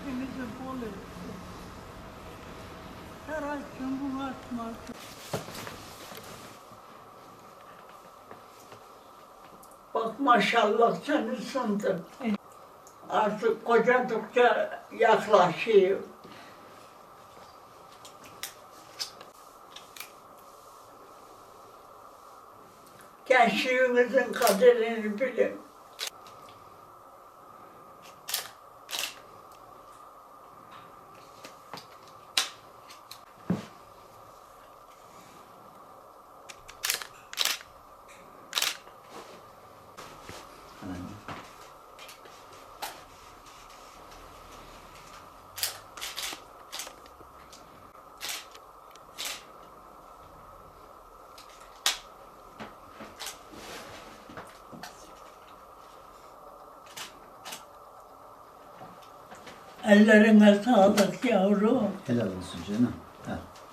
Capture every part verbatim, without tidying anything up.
kısmetinizi bol etsin. Her ay cumhurbaşkanı. Bak maşallah sen ısındın. Artık kocadıkça yaklaşıyor. Gençliğinizin kaderini bilin. Ellerine sağlık yavrum. Helal olsun canım. Ha.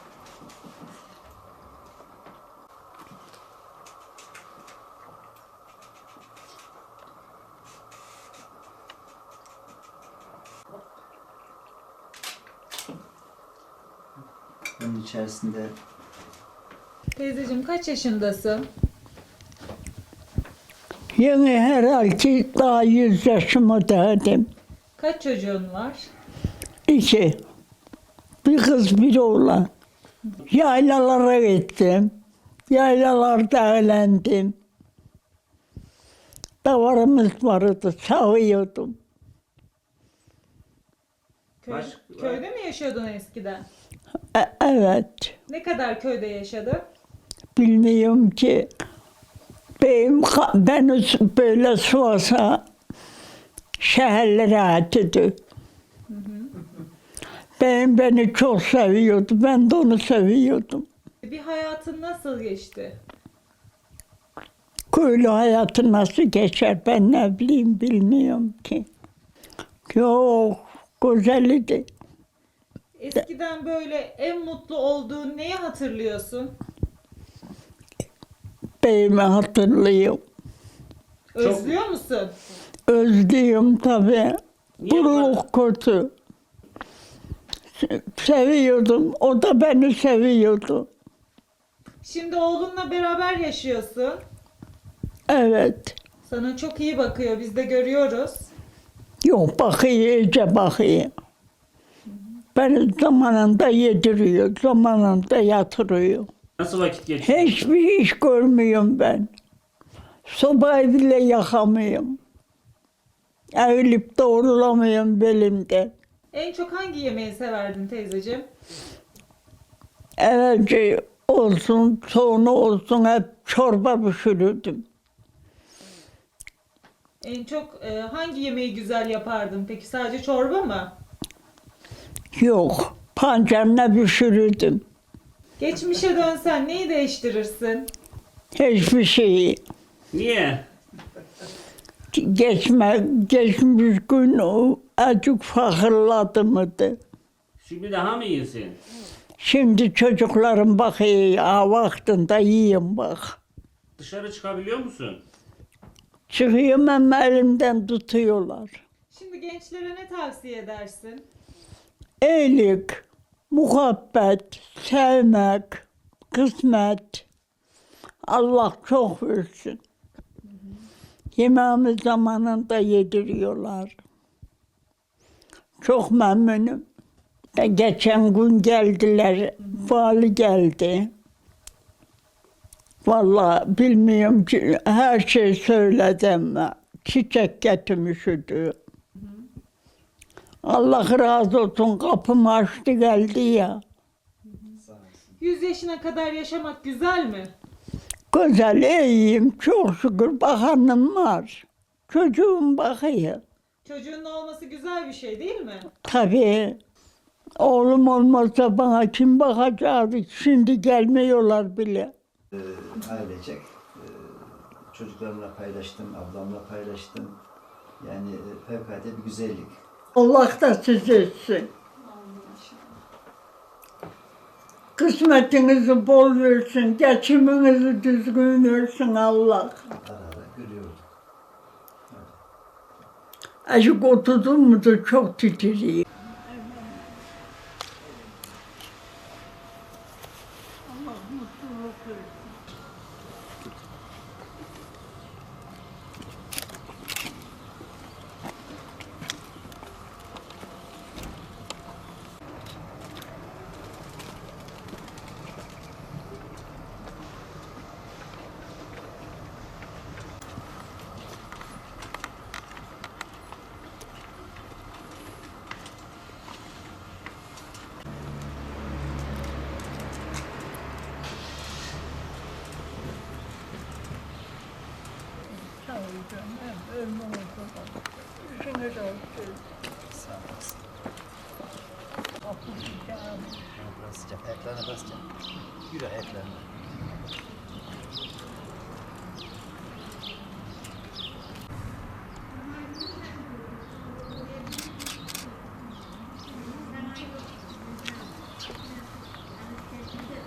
Bunun içerisinde Teyzeciğim kaç yaşındasın? Yeni herhalde daha yüz yaşıma derdim. Kaç çocuğun var? İki. Bir kız bir oğlan. Yaylalara gittim. Yaylalarda eğlendim. Davarımız vardı, sağıyordum. Köy, Baş- köyde mi yaşıyordun eskiden? E- evet, Ne kadar köyde yaşadın? bilmiyorum ki. Benim, ka- beni s- böyle Sivas'a şehirlere atıyordu. Benim beni çok seviyordu, ben de onu seviyordum. Bir hayatın nasıl geçti? Köylü hayatı nasıl geçer ben ne bileyim bilmiyorum ki. Yok, güzeldi. Eskiden böyle en mutlu olduğun neyi hatırlıyorsun? Beyimi hatırlıyorum. Özlüyor musun? Özlüyorum tabii. Niye Buruk kötü. Se- Seviyordum, o da beni seviyordu. Şimdi oğlunla beraber yaşıyorsun. Evet. Sana çok iyi bakıyor, biz de görüyoruz. Yok bakıyor, iyice bakıyor. Beni zamanında yediriyor, zamanında yatırıyor. Nasıl vakit geçiyor? Hiçbir iş görmüyorum ben. Sobayı bile yakamıyorum. Eğilip doğrulamıyorum belimde. En çok hangi yemeği severdin teyzeciğim? Evvelce olsun, sonra olsun hep çorba pişirirdim. En çok e, hangi yemeği güzel yapardın? Peki sadece çorba mı? Yok, pancarla pişirirdim. Geçmişe dönsen neyi değiştirirsin? Hiçbir şeyi. Niye? Geçme, geçmiş gün o acık fakirladı mıydı? Şimdi daha mı iyisin? Şimdi çocuklarım bakıyor, ha vaktinde yiyeyim bak. Dışarı çıkabiliyor musun? Çıkıyorum ama elimden tutuyorlar. Şimdi gençlere ne tavsiye edersin? İyilik, muhabbet, sevmek, kısmet. Allah çok versin. Yemeğimi zamanında yediriyorlar. Çok memnunum. De geçen gün geldiler, vali geldi. Vallahi bilmiyorum ki her şey söyledim. Çiçek getirmiş idi. Allah razı olsun kapımı açtı geldi ya. yüz yaşına kadar yaşamak güzel mi? Güzel, iyiyim, çok şükür bakanım var. Çocuğum bakıyor. Çocuğun olması güzel bir şey değil mi? Tabii. Oğlum olmazsa bana kim bakacaktı? Şimdi gelmiyorlar bile. e, ailecek e, çocuklarımla paylaştım, ablamla paylaştım. Yani e, fevkalade bir güzellik. Allah da siz etsin. Kısmetinizi bol versin, geçiminizi düzgün versin Allah. Ara ara görüyorduk. Azıcık oturdum mu da çok titriyor. Sağ olasın. Biraz sıcak. Ayaklarına basacağım. Yürü ayaklarına.